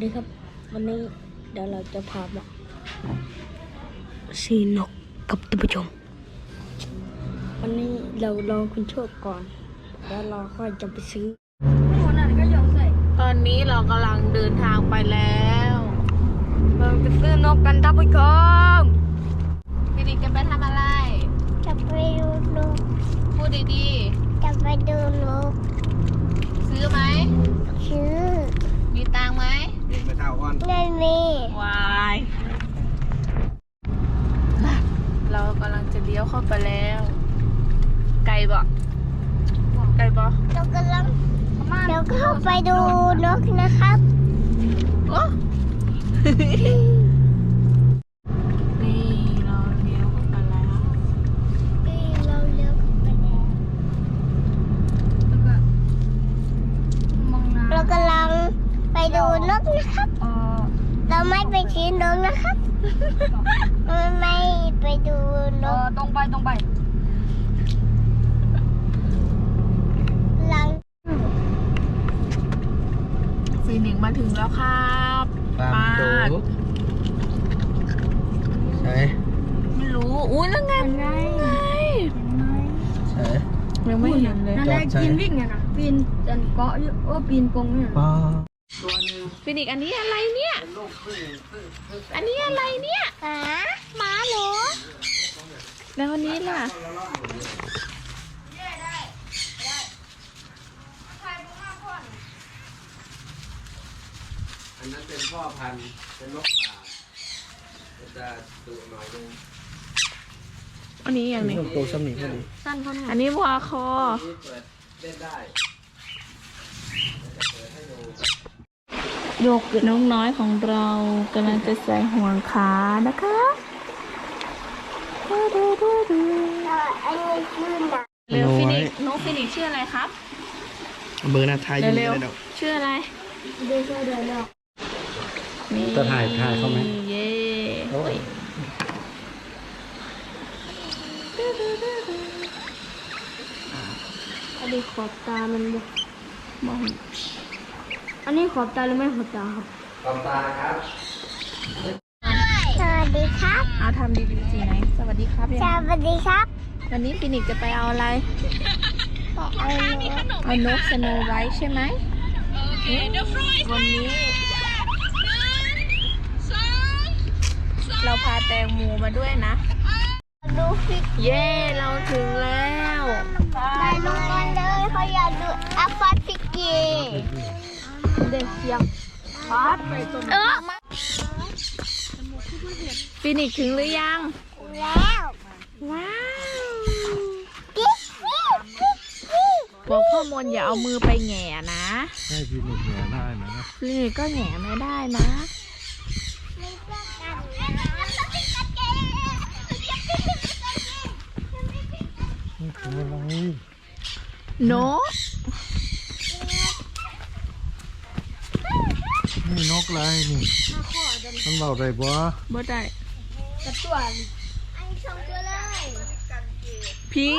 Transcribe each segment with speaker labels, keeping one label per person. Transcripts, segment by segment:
Speaker 1: ดีครับวันนี้เดี๋ยวเราจะพามาซื้อนกกับท่านผู้ชมวันนี้เรารอคุณโชคก่อนแล้วเราค่อยจะไปซื้อ
Speaker 2: ตอนนี้เรากำลังเดินทางไปแล้ว
Speaker 1: เราไปซื้อนกกันท่านผู้ชม
Speaker 2: พี่ดิกจะไปทำอะไร
Speaker 3: จะไปดูนก
Speaker 2: พูดดี
Speaker 3: จะไปดูนก
Speaker 2: ๆซื้อไหม
Speaker 3: ซื้อ
Speaker 2: มีตังค์ไหม
Speaker 4: ไม่เท่าก่อน
Speaker 3: ไม่มี
Speaker 2: วายเรากำลังจะเลี้ยวเข้าไปแล้วไกลบ่ไกลบ่
Speaker 3: เรากำลังเดี๋ยวเข้าไปดูนกนะครับ
Speaker 2: โอ้นี่เราเลี้ยวเข้าไปแล้ว
Speaker 3: เราเลี้ยวเข้าไปแล้วเรากำลังไปดูนกนะครับเราไม่ไปชี้นกนะครับไม่ไปดูนก
Speaker 2: ตรงไป
Speaker 3: หลัง
Speaker 2: ฟีนิกซ์มาถึงแล้วครับ
Speaker 4: ปาดใช่
Speaker 2: ไม่รู้อุ้ยนั่นไง
Speaker 4: ใช่
Speaker 2: ยังไม่เห็นเลย
Speaker 1: นั่นแหละกินวิ่งไงนะปีนจันเกาะอยู่ปีนกงเนี่ย
Speaker 4: ป้า
Speaker 2: ฟีนิกซ์อันนี้อะไรเนี่ยอันนี้อะไรเนี่ยหมาเหรอแล้วอันนี้ล่ะ
Speaker 4: อันนั้นเป็นพ่อพันธุ์เป็นนกป่าจะดุหน่อยนึง
Speaker 2: อันนี้อย่างนี้
Speaker 4: ตัวสมิงพอดี
Speaker 1: สั้นเขาเนี่ย
Speaker 2: อันนี้วัวคอ
Speaker 4: นี่เปิดเล่นได้
Speaker 2: โยกน้องน้อยของเรากำลังจะใส่ห่วงขานะคะ
Speaker 3: อันนี้ชื่อหนัก
Speaker 2: เร็วฟินิกซ์น้องฟินิกซ์ชื่ออะไรครับ
Speaker 4: เบอร์หน้าไทยอยู่
Speaker 2: เร็ว
Speaker 4: เลย
Speaker 2: ๆชื่ออะไร
Speaker 1: เดินเดินแล้ว
Speaker 2: นี่
Speaker 4: จะถ่ายเขาไหม
Speaker 2: เย้โอ้ย
Speaker 1: อันนี้ขอบตามันบ่
Speaker 2: มอง
Speaker 1: อันนี้ขอบตาหรือไม่ขอบตาครับ
Speaker 4: ขอบตาครับ
Speaker 3: สวัสดีครับ
Speaker 2: เอาทำดีๆสิไหนสวัสดีครับ
Speaker 3: ส
Speaker 2: ยัง
Speaker 3: วัสดีครับ
Speaker 2: วันนี้ฟินิกซ์จะไปเอาอะไร
Speaker 3: แต่เอานก
Speaker 2: เอานกสโนไวท์ใช่ไหมวันนี้เราพาแตงโมมาด้วยนะ
Speaker 3: ดูฟิก
Speaker 2: เย้เราถึงแล้ว
Speaker 3: ไปลงกันเลยเขาอยากดูอัฟฟาฟิกี
Speaker 2: เด็กเสียงพัดฟินิกซ์ถึงหรือยัง
Speaker 3: แล้ว
Speaker 2: ว้าว
Speaker 3: กิ๊กกิ๊กกิ๊กกิ๊ก
Speaker 2: บอกพ่อมนอย่าเอามือไปแหง่นะ
Speaker 4: ให้พี่หนุ่มเหนือได้ไหม
Speaker 2: ฟินิกซ์ก็แหง่ไม่ได้นะ
Speaker 4: ทำอะไร
Speaker 2: นก
Speaker 4: นี่นกอะไรนี่มันเบาได้ปะ
Speaker 2: บ่ได้
Speaker 3: อันนี้สองตัวเลย
Speaker 2: พี่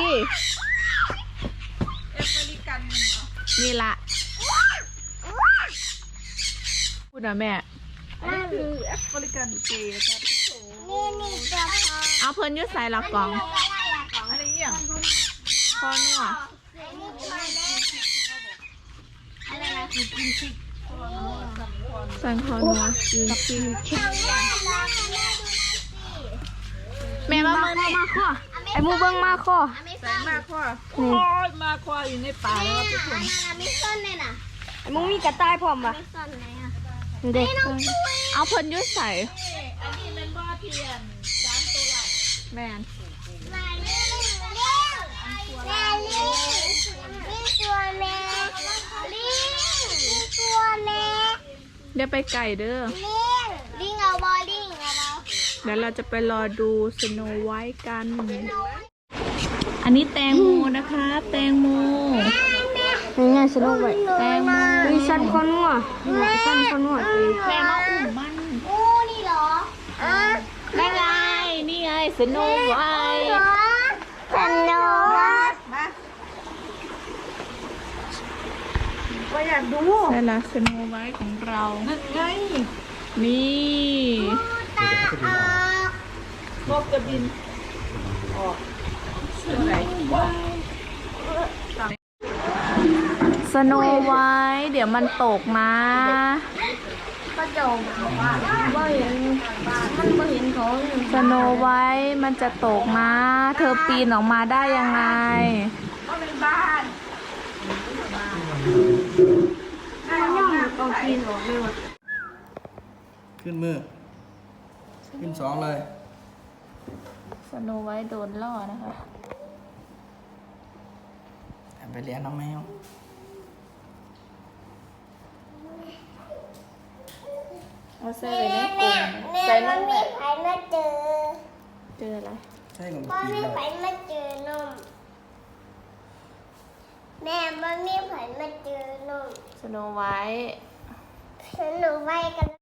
Speaker 2: นี่ละพูดนะแม่
Speaker 3: นั่นคือแอฟริกันเกย์ครับนี่ตัวพอ
Speaker 2: เอาเพิ่นอยุดใส่ละกล่อง
Speaker 3: อะไรอย่าง
Speaker 2: พอนัว
Speaker 3: นี่ตัวแรกอะไรนะคือกินชิค
Speaker 2: สั่งพอนัวแม่ว่ามือนี่
Speaker 1: ไอ้มูเบิ้งมาข้อ
Speaker 2: ใส่มากพ่อ
Speaker 1: มาข้ออยู่ในป่าแล้วทุกคน
Speaker 3: ไม่ซ่อนเลยนะ
Speaker 1: ไอ้มูมีกระต่ายพร้อมปะ
Speaker 3: ไม่ซ่อนไหนอ่ะ
Speaker 1: เด็ก
Speaker 2: เอาเพิ่นอยุดใส่
Speaker 3: อันนี้เป็นบ่อเทียน3 ตัว
Speaker 2: แม่น
Speaker 3: มาเร็วเร็วแม่ลิงนี่ตัวแม่ลิงนี่ตัวแม่
Speaker 2: เดี๋ยวไปไก่เด้อ
Speaker 3: ลิงเอาบอลิงเอาบอ
Speaker 2: เดี๋ยวเราจะไปรอดูสโนไวท์กัน อันนี้แตงโมนะคะ แตงโม
Speaker 1: นี่ไงสนุกไว้
Speaker 2: แตงโม
Speaker 1: มีสั้นข้อนัวสั้นข้อนัว
Speaker 2: แม่มาอุ้มมัน
Speaker 3: โอ้นี่เหรอ
Speaker 2: นี่ไง นี่ไงสโนไวท์
Speaker 3: สนุก
Speaker 1: ว่าอยากดู
Speaker 2: ได้ละสโนไวท์ของเรา
Speaker 1: นั่นไง
Speaker 2: นี่
Speaker 3: ตาออก
Speaker 1: นกจะบินออก
Speaker 2: สโนไวท์เดี๋ยวมันตกนะ
Speaker 1: ก็จะว่าเห็นมันไม่เห็นเขา
Speaker 2: สโนไวท์มันจะตกนะ เธอปีนออกมาได้ยังไง
Speaker 1: ก็เป็นบ้านย่องเอากินออกเลยว่ะ
Speaker 4: ขึ้นมือ ขึ้นสองเลย
Speaker 2: สโนไวท์โดนล่อนะคะ
Speaker 4: ไปเลี้ยงน้องแมว
Speaker 2: เอาใส่ไว้ในก
Speaker 3: แม่
Speaker 2: ลุ่ม
Speaker 3: แม่
Speaker 2: ใส่
Speaker 3: มั
Speaker 2: นั่
Speaker 3: น
Speaker 2: นแห
Speaker 3: มี
Speaker 2: ละ
Speaker 3: ไผมาเจอ
Speaker 2: เจออะไร
Speaker 4: ใช่ของ
Speaker 3: พ่อ
Speaker 4: ปี
Speaker 3: มี
Speaker 4: แล้ว
Speaker 3: ไผมาเจอนมแม่มันมีไผมาเจอนม
Speaker 2: สโนไวท์
Speaker 3: ฉันหนูไปกัน